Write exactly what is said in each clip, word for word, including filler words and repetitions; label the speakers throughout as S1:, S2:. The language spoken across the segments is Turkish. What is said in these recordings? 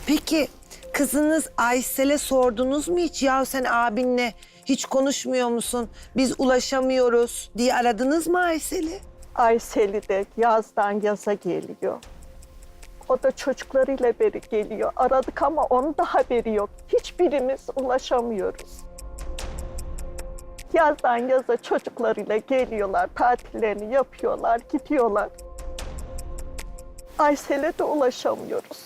S1: Peki kızınız Aysel'e sordunuz mu hiç? Ya sen abinle hiç konuşmuyor musun? Biz ulaşamıyoruz diye aradınız mı Aysel'i?
S2: Aysel'i de yazdan yaza geliyor. O da çocuklarıyla beri geliyor. Aradık ama onun da haberi yok. Hiçbirimiz ulaşamıyoruz. Yazdan yaza çocuklarıyla geliyorlar, tatillerini yapıyorlar, gidiyorlar. Aysel'e de ulaşamıyoruz.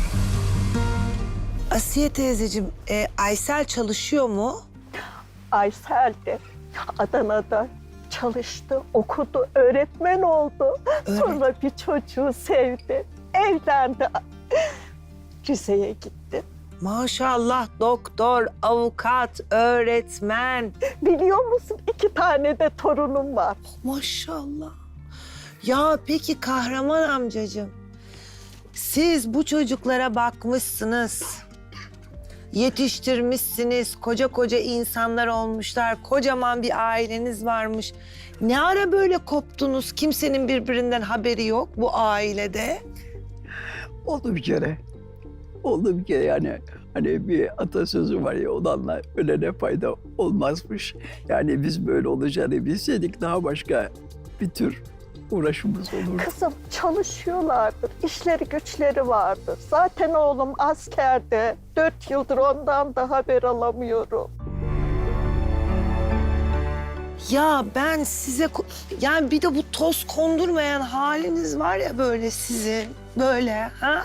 S1: Asiye teyzeciğim, e, Aysel çalışıyor mu?
S2: Aysel de Adana'da çalıştı, okudu, öğretmen oldu.
S1: Öğret-
S2: Sonra bir çocuğu sevdi, evlendi. Rize'ye gitti.
S1: Maşallah doktor, avukat, öğretmen.
S2: Biliyor musun, iki tane de torunum var.
S1: Maşallah. Ya peki Kahraman amcacığım, siz bu çocuklara bakmışsınız, yetiştirmişsiniz, koca koca insanlar olmuşlar, kocaman bir aileniz varmış. Ne ara böyle koptunuz? Kimsenin birbirinden haberi yok bu ailede.
S3: Oldu bir kere. Oldu bir kere yani. Hani bir atasözü var ya, olanla ölene fayda olmazmış. Yani biz böyle olacağını bilseydik daha başka bir tür uğraşımız olurdu.
S2: Kızım çalışıyorlardır, işleri güçleri vardır. Zaten oğlum askerde, dört yıldır ondan da haber alamıyorum.
S1: Ya ben size, ko- yani bir de bu toz kondurmayan haliniz var ya böyle sizin, böyle ha?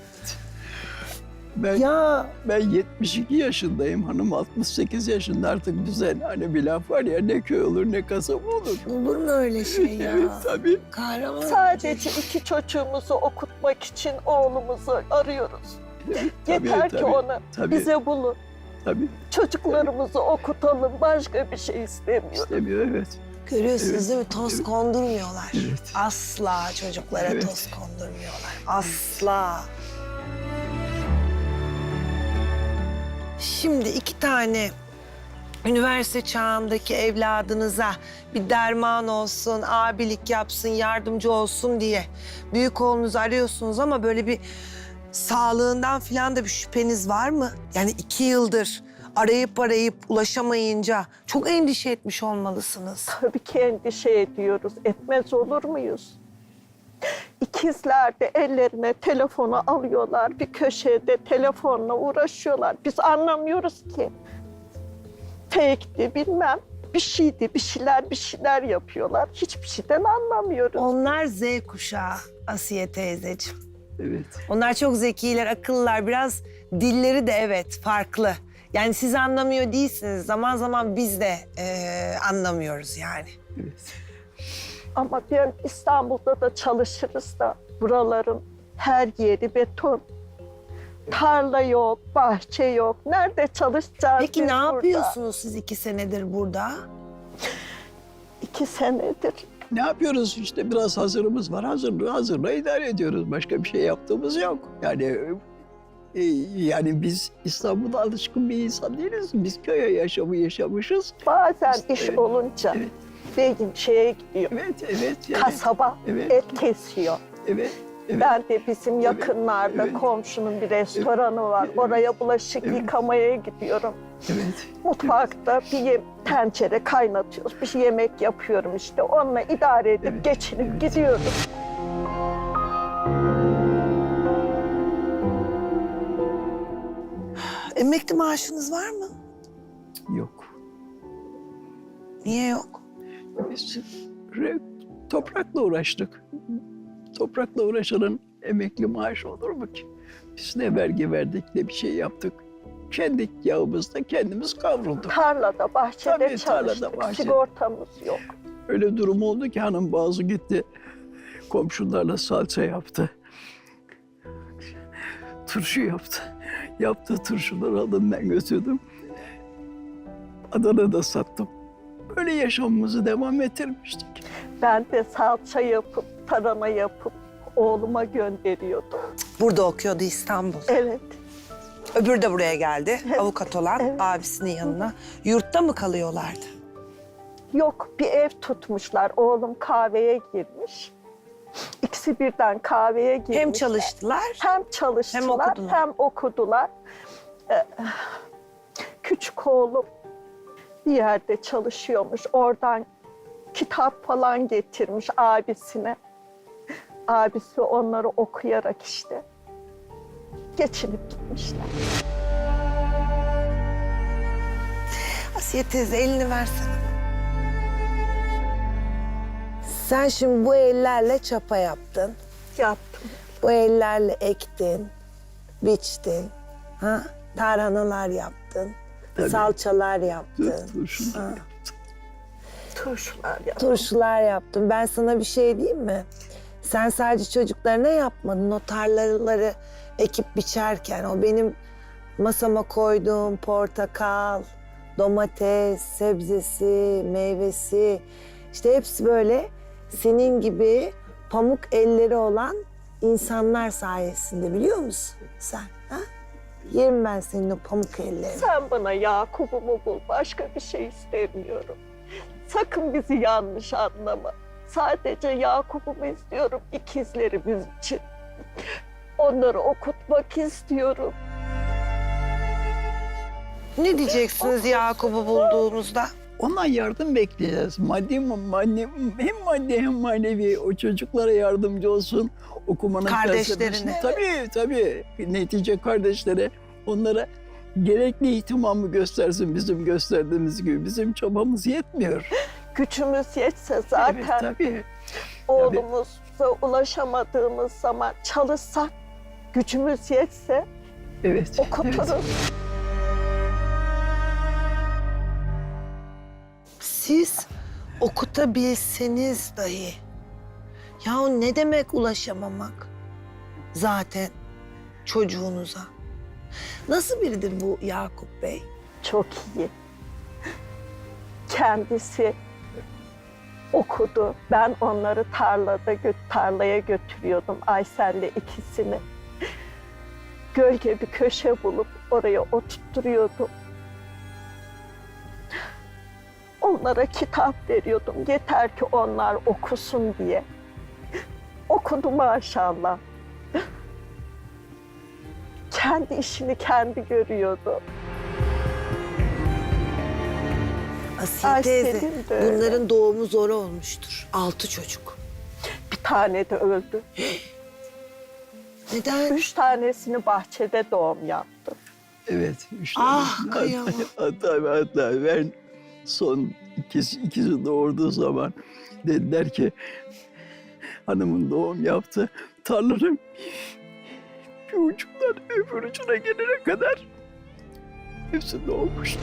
S3: Ben,
S1: Ya
S3: ben yetmiş iki yaşındayım, hanım altmış sekiz yaşında. Artık bize hani bir laf var ya, ne köy olur ne kasaba olur.
S1: olur mu öyle şey ya?
S3: Evet tabii.
S1: Kahraman
S2: Sadece iki çocuğumuzu okutmak için oğlumuzu arıyoruz.
S3: Evet, tabii,
S2: Yeter ki
S3: tabii,
S2: onu
S3: tabii,
S2: bize bulun.
S3: Tabii
S2: Çocuklarımızı okutalım, başka bir şey istemiyoruz.
S3: istemiyor, evet.
S1: görüyorsunuz
S3: Evet,
S1: değil mi? Toz
S3: evet.
S1: kondurmuyorlar.
S3: Evet.
S1: Asla çocuklara
S3: Evet.
S1: toz kondurmuyorlar. Asla. Şimdi iki tane üniversite çağındaki evladınıza bir derman olsun, abilik yapsın, yardımcı olsun diye büyük oğlunuzu arıyorsunuz ama böyle bir sağlığından falan da bir şüpheniz var mı? Yani iki yıldır arayıp arayıp ulaşamayınca çok endişe etmiş olmalısınız.
S2: Tabii ki endişe ediyoruz. Etmez olur muyuz? İkizler de ellerine telefonu alıyorlar. Bir köşede telefonla uğraşıyorlar. Biz anlamıyoruz ki. Fake'ti bilmem. Bir şeydi, bir şeyler bir şeyler yapıyorlar. Hiçbir şeyden anlamıyoruz.
S1: Onlar Z kuşağı Asiye teyzeciğim.
S3: Evet.
S1: Onlar çok zekiler, akıllılar. Biraz dilleri de evet farklı. Yani siz anlamıyor değilsiniz. Zaman zaman biz de eee, anlamıyoruz yani.
S3: Evet.
S2: Ama ben İstanbul'da da çalışırız da buraların her yeri beton. Tarla yok, bahçe yok. Nerede çalışacağız
S1: Peki
S2: biz
S1: ne
S2: burada?
S1: yapıyorsunuz siz iki senedir burada?
S2: İki senedir.
S3: Ne yapıyoruz işte, biraz hazırımız var. Hazırlığı hazırla idare ediyoruz. Başka bir şey yaptığımız yok. Yani e, yani biz İstanbul'da alışkın bir insan değiliz. Biz köye yaşamı yaşamışız.
S2: Bazen
S3: İşte,
S2: iş
S3: evet,
S2: olunca
S3: evet.
S2: beyim şeye gidiyor.
S3: Evet, evet. Yani,
S2: Kasaba
S3: evet.
S2: et kesiyor.
S3: Evet, evet.
S2: Ben de bizim
S3: Evet,
S2: yakınlarda
S3: evet.
S2: komşunun bir restoranı var.
S3: Evet,
S2: Oraya bulaşık
S3: evet.
S2: yıkamaya gidiyorum.
S3: Evet.
S2: Mutfakta bir ye- tencere kaynatıyoruz. Bir şey yemek yapıyorum işte. Onunla idare edip
S3: Evet,
S2: geçinip
S3: evet.
S2: gidiyoruz.
S1: Emekli maaşınız var mı?
S3: Yok.
S1: Niye yok?
S3: Biz re- toprakla uğraştık. Toprakla uğraşanın emekli maaşı olur mu ki? Biz ne vergi verdik ne bir şey yaptık. Kendi yağımızda kendimiz kavrulduk.
S2: Tarlada, bahçede
S3: Tabii,
S2: çalıştık.
S3: tarlada, bahçede.
S2: Sigortamız yok.
S3: Öyle durum oldu ki hanım bazı gitti. Komşularla salça yaptı. Turşu yaptı. Yaptığı turşuları aldım, ben götürdüm. Adana'da sattım. Böyle yaşamımızı devam ettirmiştik.
S2: Ben de salça yapıp, tarhana yapıp oğluma gönderiyordum.
S1: Burada okuyordu İstanbul.
S2: Evet.
S1: Öbürü de buraya geldi. Avukat olan
S2: Evet.
S1: abisinin yanına. Yurtta mı kalıyorlardı?
S2: Yok, bir ev tutmuşlar. Oğlum kahveye girmiş. İkisi birden kahveye girmişler.
S1: Hem çalıştılar.
S2: Hem çalıştılar,
S1: Hem okudular.
S2: hem okudular. Ee, küçük oğlum bir yerde çalışıyormuş. Oradan kitap falan getirmiş abisine. Abisi onları okuyarak işte geçinip gitmişler.
S1: Asiye teyze elini versene. Sen şimdi bu ellerle çapa yaptın.
S2: Yaptım.
S1: Bu ellerle ektin, biçtin. Ha? Tarhanalar yaptın.
S3: Tabii.
S1: Salçalar yaptın.
S3: Turşular
S1: Ha.
S3: yaptım.
S2: Turşular yaptım.
S1: Turşular yaptın. Ben sana bir şey diyeyim mi? Sen sadece çocuklarına yapmadın. O tarlaları ekip biçerken o benim masama koyduğum portakal, domates, sebzesi, meyvesi işte hepsi böyle senin gibi pamuk elleri olan insanlar sayesinde biliyor musun sen? Ha? Yerim ben senin o pamuk ellerini.
S2: Sen bana Yakup'umu bul. Başka bir şey istemiyorum. Sakın bizi yanlış anlama. Sadece Yakup'umu istiyorum ikizlerimiz için. Onları okutmak istiyorum.
S1: Ne diyeceksiniz Yakup'u bulduğunuzda?
S3: Ondan yardım bekleyeceğiz. Maddi, maddi, hem maddi hem manevi o çocuklara yardımcı olsun. Okumanın
S1: Kardeşlerine.
S3: felsefesini. Tabii tabii. Netice kardeşlere onlara gerekli ihtimamı göstersin bizim gösterdiğimiz gibi. Bizim çabamız yetmiyor.
S2: Gücümüz yetse zaten
S3: Evet tabii.
S2: oğlumuza ulaşamadığımız zaman çalışsak, gücümüz yetse
S3: Evet.
S2: okuturuz.
S3: Evet.
S1: Siz okutabilseniz dahi ya ne demek ulaşamamak zaten çocuğunuza? Nasıl biridir bu Yakup Bey?
S2: Çok iyi. Kendisi okudu. Ben onları tarlada gö- tarlaya götürüyordum Aysel'le ikisini. Gölge bir köşe bulup oraya oturtturuyordum. Onlara kitap veriyordum. Yeter ki onlar okusun diye. Okudu maşallah. Kendi işini kendi görüyordu.
S1: Asiye
S2: Ay,
S1: teyze
S2: senin de öyle.
S1: bunların doğumu zor olmuştur. Altı çocuk.
S2: Bir tane de öldü.
S1: Neden?
S2: Üç tanesini bahçede doğum yaptı.
S3: Evet. Üç
S1: Ah,
S3: tane.
S1: kıyamam.
S3: Hatta, hatta ben son ikisi, ikisi doğurduğu zaman dediler ki hanımın doğum yaptı. Tarlanın bir ucundan öbür ucuna gelene kadar hepsi doğmuştu.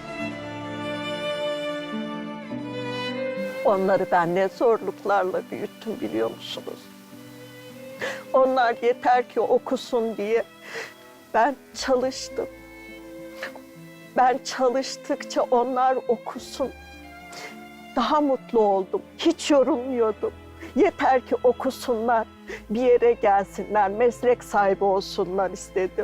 S2: Onları ben ne zorluklarla büyüttüm biliyor musunuz? Onlar yeter ki okusun diye ben çalıştım. Ben çalıştıkça onlar okusun. Daha mutlu oldum. Hiç yorulmuyordum. Yeter ki okusunlar, bir yere gelsinler, meslek sahibi olsunlar istedim.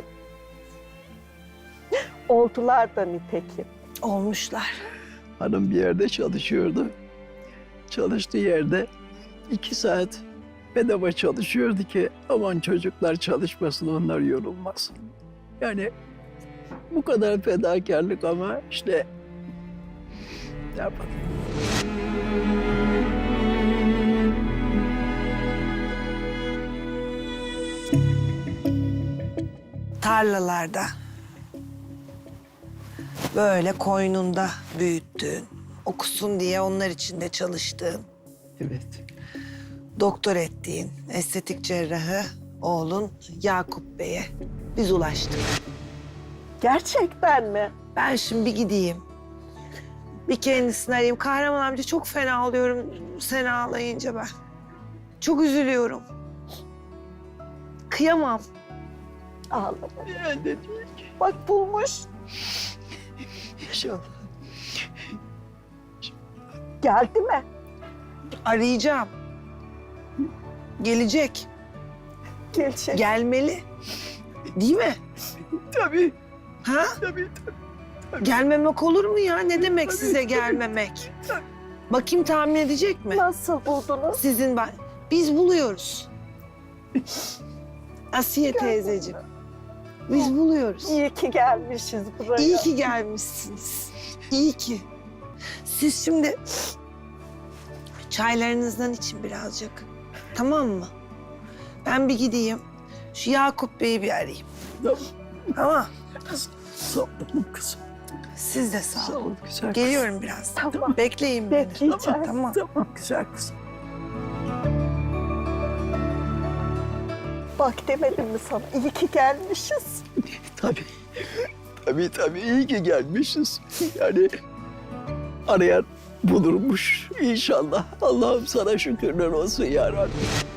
S2: Oldular da nitekim.
S1: Olmuşlar.
S3: Hanım bir yerde çalışıyordu. Çalıştığı yerde iki saat bedava çalışıyordu ki aman çocuklar çalışmasın, onlar yorulmasın. Yani bu kadar fedakarlık ama işte ne yapalım.
S1: Tarlalarda böyle koynunda büyüttün. Okusun diye onlar için de çalıştığın,
S3: Evet.
S1: doktor ettiğin estetik cerrahı oğlun Yakup Bey'e biz ulaştık.
S2: Gerçekten mi?
S1: Ben şimdi bir gideyim. Bir kendisini arayayım. Kahraman amca çok fena oluyorum sen ağlayınca ben. Çok üzülüyorum. Kıyamam.
S2: Ağlama.
S3: Yani de değil ki.
S2: Bak bulmuş.
S3: İnşallah.
S2: Geldi mi?
S1: Arayacağım. Gelecek.
S2: Gelecek.
S1: Gelmeli. Değil mi?
S3: Tabii,
S1: Ha?
S3: tabii, tabii.
S1: Gelmemek olur mu ya? Ne demek
S3: Tabii,
S1: size
S3: tabii.
S1: gelmemek? Bakayım tahmin edecek mi?
S2: Nasıl buldunuz?
S1: Sizin ba- Biz buluyoruz. Asiye teyzeciğim. Biz buluyoruz.
S2: İyi ki gelmişiz buraya.
S1: İyi ki gelmişsiniz. İyi ki. Siz şimdi çaylarınızdan için birazcık. Tamam mı? Ben bir gideyim. Şu Yakup Bey'i bir arayayım.
S3: Tamam.
S1: Tamam.
S3: Sağ olun kızım.
S1: Siz de sağ
S3: Sağ
S1: olun.
S3: olun güzel kızım.
S1: Geliyorum birazdan.
S2: Tamam.
S1: Bekleyin beni.
S2: Bekleyeceğiz.
S1: Tamam.
S3: Tamam güzel kızım.
S2: Bak demedim mi sana? İyi ki gelmişiz.
S3: Tabii. Tabii tabii iyi ki gelmişiz. Yani arayan bulurmuş inşallah. Allah'ım sana şükürler olsun ya Rabbi.